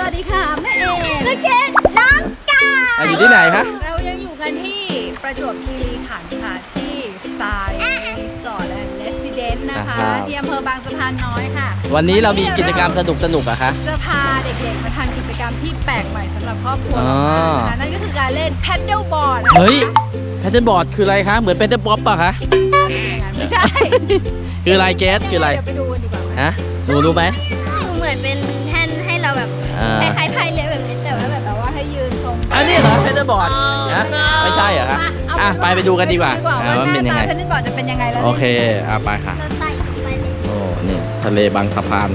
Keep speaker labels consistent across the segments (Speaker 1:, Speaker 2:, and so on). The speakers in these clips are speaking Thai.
Speaker 1: วัสดีค่ะแม่เอ๋
Speaker 2: ลูกเกดน้องกาย
Speaker 3: อยู่ที่ไหนคะ
Speaker 1: เรายังอยู่กันที่ประจวบคีรีขันธ์ค่ะที่สายรีสอร์ทและเรสซิเดนต์นะคะที่อำเภอบางสะพานน้อยค่ะ
Speaker 3: วันนี้เรามีกิจกรรมสนุกอะคะ
Speaker 1: จะพาเด็กๆมาทำกิจกรรมที่แปลกใหม่สำหรับครอบครัว
Speaker 3: อ๋อ
Speaker 1: นะคะนั่นก็คือการเล่นแพดเดิลบอร์ด
Speaker 3: เฮ้ยแพทเทิร์นบอร์ดคืออะไรคะ เหมือนเป็นเตอร์ป๊อปป่ะคะ
Speaker 1: ไม่ใช่
Speaker 3: คืออะไรเกสคืออะไร
Speaker 1: เดี๋ยวไปดูกันดีกว่า
Speaker 3: ฮะหนูรู้ไหม
Speaker 2: เหมือนเป็นแท่นให้เราแบบ
Speaker 3: อ่า
Speaker 2: คล้ายๆพายเรือแบบนี้แต่ว่าแบบ
Speaker 1: แต่ว่าให้ยืนตรง
Speaker 3: อันนี้เหรอแพทเทิร์นบอร์ดฮะไม่ใช่เหรอคะไปดูกันดีกว่าว่ามันเป็นยังไง
Speaker 1: แพดเดิลบอร์ดจะเป็นยังไงแล้ว
Speaker 3: โอเคไปค่ะ
Speaker 2: เราไต่ลงไปเลย
Speaker 3: โอ้นี่ทะเลบางสะพาน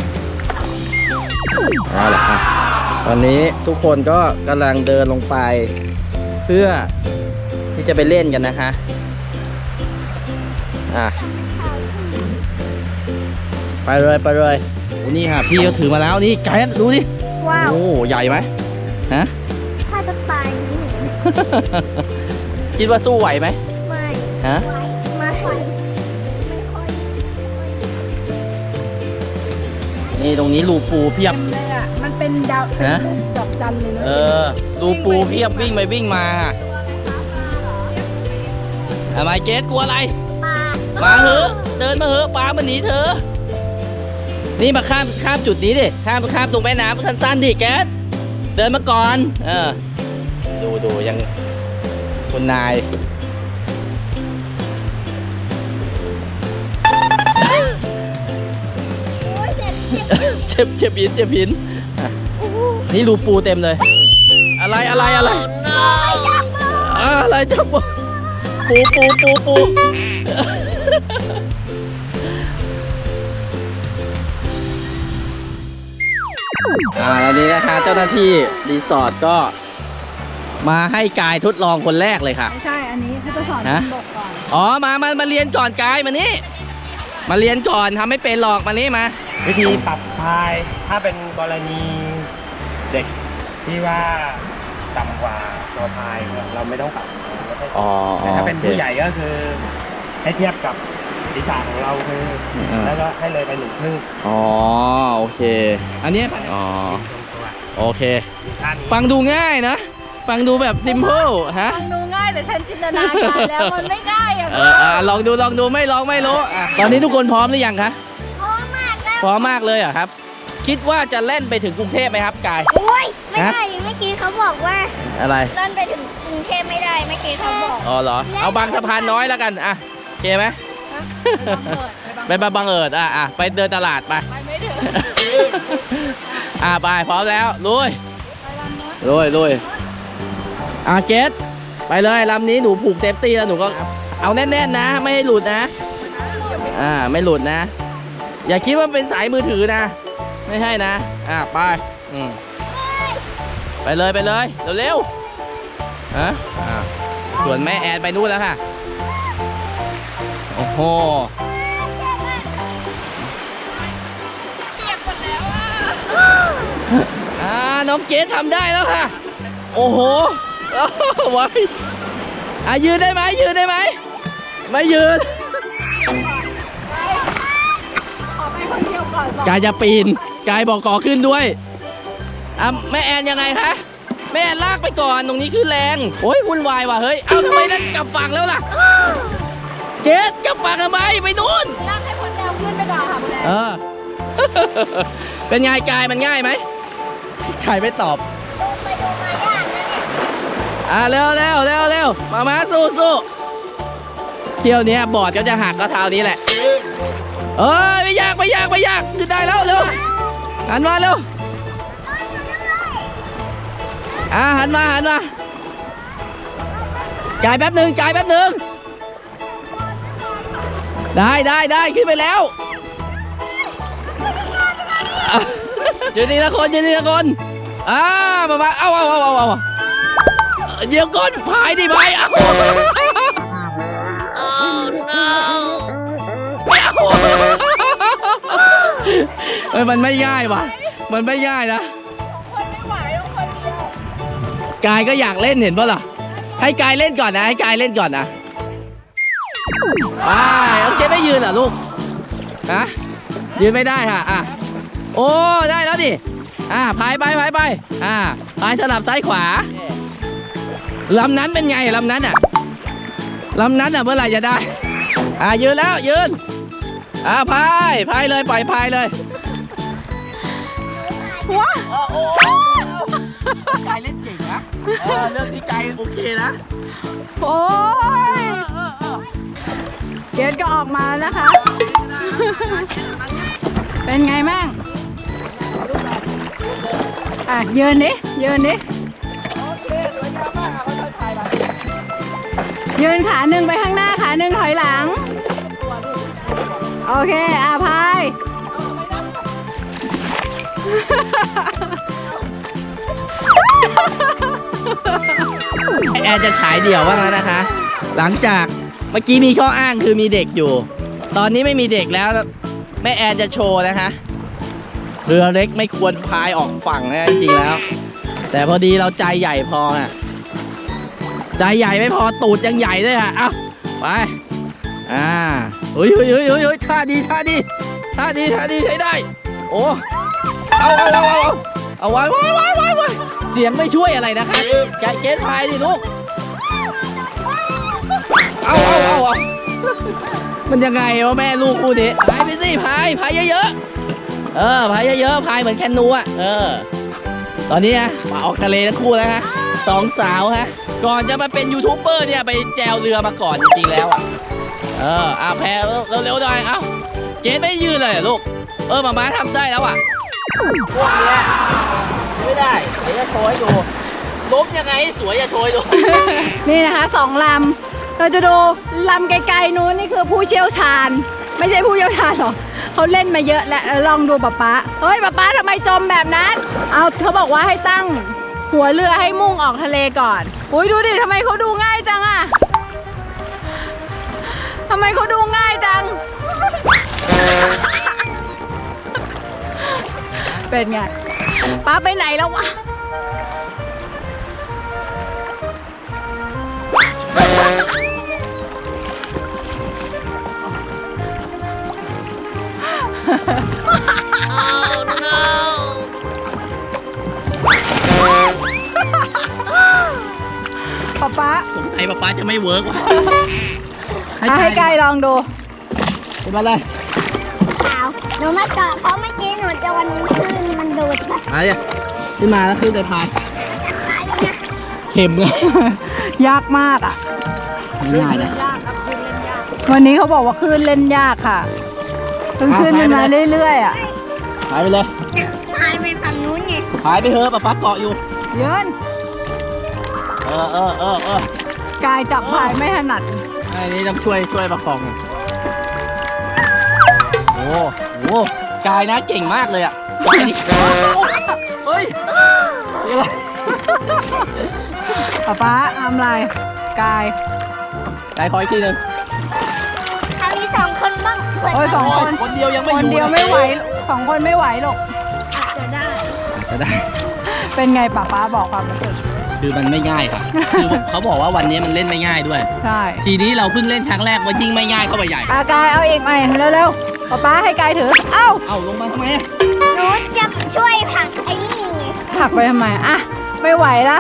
Speaker 3: เอาละค่ะตอนนี้ทุกคนก็กำลังเดินลงไป เพื่อที่จะไปเล่นกันนะคะไปเลยโอ้นี่ค่ะพี่เขาถือมาแล้วนี่ไกด์ดูดิ
Speaker 2: ว้าว
Speaker 3: โอ้ใหญ่ไหมฮะ
Speaker 2: ถ้าจะตายนี่
Speaker 3: คิดว่าสู้ไหวไหม
Speaker 2: ไม่
Speaker 3: ฮะ
Speaker 2: ไม่ค่อยไม่ค่อย
Speaker 3: นี่ตรงนี้รูปูเพียบ
Speaker 1: เต็มเลยอ่ะมันเป็นดาวเป็น
Speaker 3: ฮะ
Speaker 1: รูปดอกจันเลยเนอะ
Speaker 3: รูปูเพียบวิ่งไปวิ่งมาค่ะไมเกสกลัวอะไร
Speaker 2: ปลา
Speaker 3: มาเหอะเดินมาเหอะปลามันหนีเธอ นี่มาข้ามจุดนี้ดิข้ามตรงแม่น้ำสั้นๆดิแกสเดินมาก่อนดูยังคุณนาย
Speaker 2: โอ้ยเจ็บ
Speaker 3: เจ็บหินอ่ะนี่รูปูเต็มเลย อะไรอะไรจับปูอันนี้นะคะเจ้าหน้าที่รีสอร์ทก็มาให้กายทดลองคนแรกเลยค่ะ
Speaker 1: ไม่ใช่อันนี้คือจะสอน
Speaker 3: ฮะ
Speaker 1: บกก่อน
Speaker 3: อ๋อมาเรียนก่อนกายมานี่มาเรียนก่อนทำไม่เป็นหรอกมานี่มา
Speaker 4: วิธีปรับพายถ้าเป็นกรณีเด็กที่ว่าต่ำกว่าตัวพายเราไม่ต้องปรับแต่ถ้าเป็นผู้ใหญ่ก็คือให้เทียบกับศีรษะของเราคือแล้วก็ให้เลยไป1 ครึ่ง
Speaker 3: อ๋อโอเค อันนี้อ๋อโอเค
Speaker 4: ท่านี้
Speaker 3: ฟังดูง่ายนะฟังดูแบบซิมเ l ิลฮะ
Speaker 1: ฟังดูง่ายแต่ฉันจินตนาการแล้วมันไม่ง่ายอ่ะ
Speaker 3: ลองดูไม่ลองไม่รู้ตอนนี้ทุกคนพร้อมหรือยังคะ
Speaker 2: พร้อมมากแล้ว
Speaker 3: พร้อมมากเลยเหรอครับ คิดว่าจะเล่นไปถึงกรุงเทพไหมครับกาย
Speaker 2: โอ้ยไม่ได้เมื่อกี้เขาบอกว่า
Speaker 3: อะไร
Speaker 2: เดินไปถึงกรุงเทพไม่ได้เมื่อกี้เขาบอก
Speaker 3: อ๋อเหรอเอาบางสะพานน้อยแล้วกันโอเคไหมไปบางเอิดไปเดินตลาดไป
Speaker 1: ไปไม่ถึง
Speaker 3: ไปพร้อมแล้วลุยเกสไปเลยลำนี้หนูผูกเซฟตี้แล้วหนูก็เอาแน่นๆนะไม่ให้หลุดนะไม่หลุดนะ อย่าคิดว่าเป็นสายมือถือนะไม่ใช่นะไปไปเลยเร็วส่วนแม่แอนไปนู่นแล้วค่ะโอ้โหน้องเกสทำได้แล้วค่ะโอ้โหไว้ยืนได้ไหมไม่ยืน
Speaker 1: ขอไปคนเดียวก่อน
Speaker 3: กายจะปีนกายบอกขอขึ้นด้วยแม่แอนยังไงคะแม่แอนลากไปก่อนตรงนี้คือแรงโอ้ยวุ่นวายว่ะเฮ้ยเอาทำไมนั่นกลับฝั่งแล้วล่ะเกสกลับฝั่งทำไมไปนู่น
Speaker 1: ลากให้คนเดียวขึ้นไปก่อนค่ะคุณแอน
Speaker 3: เป็นไงกายมันง่ายไหมใครไม่ตอบเร็วมาสู้เที่ยวนี้บอร์ดก็จะหักก็เท้านี้แหละไม่ยากขึ้นได้แล้วเร็วหันมาเร็วหันมากายแป๊บหนึ่งได้ขึ้นไปแล้วยืนนี่ละคนมาเอาเดี๋ยวก้นพายดิไปมันไม่ง่ายว่ะมันไม่ง่ายนะ
Speaker 1: คนไม่ไหวต้องคนเดียว
Speaker 3: กายก็อยากเล่นเห็นป่ะล่ะให้กายเล่นก่อนนะโอเคไม่ยืนเหรอลูกยืนไม่ได้ค่ะโอ้ได้แล้วดิพายไปพายสลับซ้ายขวาลำนั้นเป็นไงลำนั้นลำนั้นเมื่อไหร่จะได้ยืนแล้วยืนพายเลยปล่อยพายเลย
Speaker 1: ว้า
Speaker 3: โอ้กายเล่นเก่งนะเรื่องนี้กายโอเคนะ
Speaker 1: โอ้ยเกดก็ออกมาแล้วนะคะ เป็นไงแม่งยืนดิยืนขาหนึ่งไปข้างหน้าขาหนึ่งถอยหลังโอเคพาย
Speaker 3: แอร์จะฉายเดี่ยวบ้างแล้วนะคะหลังจากเมื่อกี้มีข้ออ้างคือมีเด็กอยู่ตอนนี้ไม่มีเด็กแล้วแม่แอนจะโชว์นะคะเรือเล็กไม่ควรพายออกฝั่งนะจริงๆแล้วแต่พอดีเราใจใหญ่พอใจใหญ่ไม่พอตูดยังใหญ่ด้วยเอาไปเฮ้ยท่าดีใช้ได้โอ้เอาไว้เสียงไม่ช่วยอะไรนะคะเกณฑ์พายดิลูกเอามันยังไงวะแม่ลูกคู่นี้พายไปสิพายเยอะๆพายเยอะๆพายเหมือนแคนูตอนนี้มาออกทะเลทั้งคู่แล้วฮะสองสาวฮะก่อนจะมาเป็นยูทูบเบอร์เนี่ยไปแจวเรือมาก่อนจริงๆแล้วแพเร็วๆหน่อยเกณฑ์ไม่ยืนเลยลูกมาทำได้แล้วพวกนี้ไม่ได้เดี๋ยวจะโชว์ให้ดูล้มยังไงสวยจะโชว์ให้ดู
Speaker 1: นี่นะคะ2 ลำเราจะดูลำไกลๆนู้นนี่คือผู้เชี่ยวชาญไม่ใช่ผู้เชี่ยวชาญหรอกเขาเล่นมาเยอะแล้วลองดูป๊าเฮ้ยป๊าทำไมจมแบบนั้นเขาบอกว่าให้ตั้งหัวเรือให้มุ่งออกทะเลก่อนอุ้ยดูดิทำไมเขาดูง่ายจังทำไมเขาดูง่ายจัง เป็นไงป๊าไปไหนแล้ววะป๊า
Speaker 3: สงสัยป๊าจะไม่เวิร์กว่ะ
Speaker 1: ให้กายลองดู
Speaker 3: เป็นมาเลย
Speaker 2: หนูไม่เกาะเพราะเมื่อกี้หนูจะวันขึ้นมันดูดไป
Speaker 3: ขึ้นมาแล้วขึ้นไปพายเข็มเลย
Speaker 1: ยากมาก
Speaker 3: ไม่ง่ายนะ
Speaker 1: วันนี้เขาบอกว่าคลื่นเล่นยากค่ะขึ้นมาเรื่อย
Speaker 3: พายไปเลย
Speaker 2: พายไปฝั่งนู้นไง
Speaker 3: พายไปเถอะป๊าเกาะอยู่
Speaker 1: ยืนกายจับพายไม่ถนัด
Speaker 3: ไอ้นี่ต้องช่วยประคองโอ้กายนะเก่งมากเลยกายนี่เฮ้ย
Speaker 1: ป๊าทำไรกาย
Speaker 3: ขออีกทีหนึ่ง
Speaker 2: ทำมี2 คนบ้าง
Speaker 1: 2 คน
Speaker 3: คนเดียวยังไม่อยู่
Speaker 1: คนเดียวไม่ไหว2 คนไม่ไหวหรอก
Speaker 2: อาจจะได้
Speaker 1: เป็นไงป๊าบอกความรู้สึก
Speaker 3: คือมันไม่ง่ายครับคือเขาบอกว่าวันนี้มันเล่นไม่ง่ายด้วย
Speaker 1: ใช่
Speaker 3: ทีนี้เราเพิ่งเล่นครั้งแรกว่ายิ่งไม่ง่ายเข้าไปใหญ่
Speaker 1: กายเอาเองใหม่เร็วๆป๊าให้กายถือ
Speaker 3: เอาลงมาทำไม
Speaker 2: หนูจะช่วยผลักไอ้นี่ไง
Speaker 1: ผลักไปทำไมไม่ไหวละ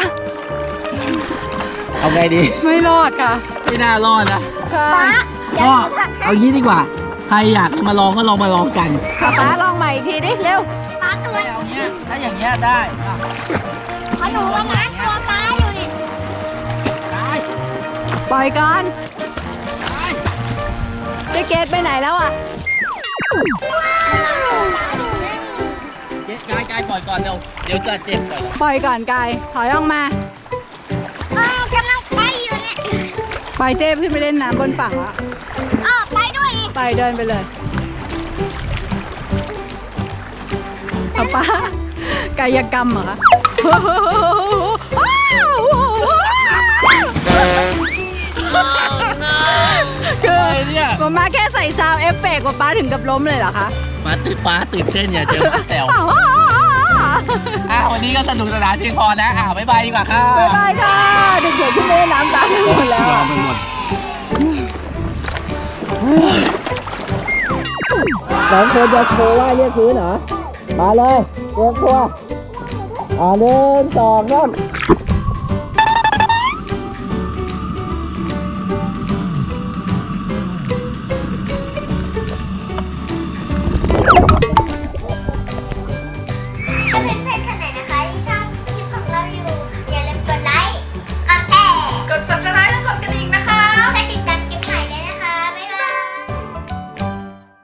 Speaker 3: เอาไงดี
Speaker 1: ไม่รอดค่ะ
Speaker 3: ไม่น่ารอดนะ
Speaker 2: ก็
Speaker 3: เอายี่ดีกว่าใครอยากมาลองก็ลองมาลองกัน
Speaker 1: ป๊าลองใหม่อีกทีดิเร็ว
Speaker 2: ป๊าตัว
Speaker 3: ถ้าอย่างเงี้ยได้
Speaker 2: เพราะหนูว่านะตัวป๊าอยู่นี่
Speaker 1: ปล่อยก่อนเจ๊เกดไปไหนแล้ว
Speaker 3: กายปล่อยก่อนเดี๋ยวจะเจ็บ
Speaker 1: ปล่อยก่อนกายถอยออกมาก
Speaker 2: ำลังไปอยู่เนี่ย
Speaker 1: ไปเจ๊ขึ้นไปเล่นน้ำบนฝั่งละ
Speaker 2: ไปด้วย
Speaker 1: ไปเดินไปเลยป๊ากายกรรมเหรอคะคือเนี่ยมาแค่ใส่ซาวเอฟเฟกต์ป๊าถึงกับล้มเลยเหรอคะ
Speaker 3: ป๊าตื่นเต้นอย่าเจอแซววันนี้ก็สนุกสนานเพียงพอนะบ๊ายบายดีกว่าค่ะ
Speaker 1: บ๊ายบายค่ะเด็กๆที่เล่นน้ำตามไปหมดแล้ว
Speaker 3: 2 คนจะโชว์ว่าเรียกพื้นเหรอมาเลยเตรียมตัว 1 2 3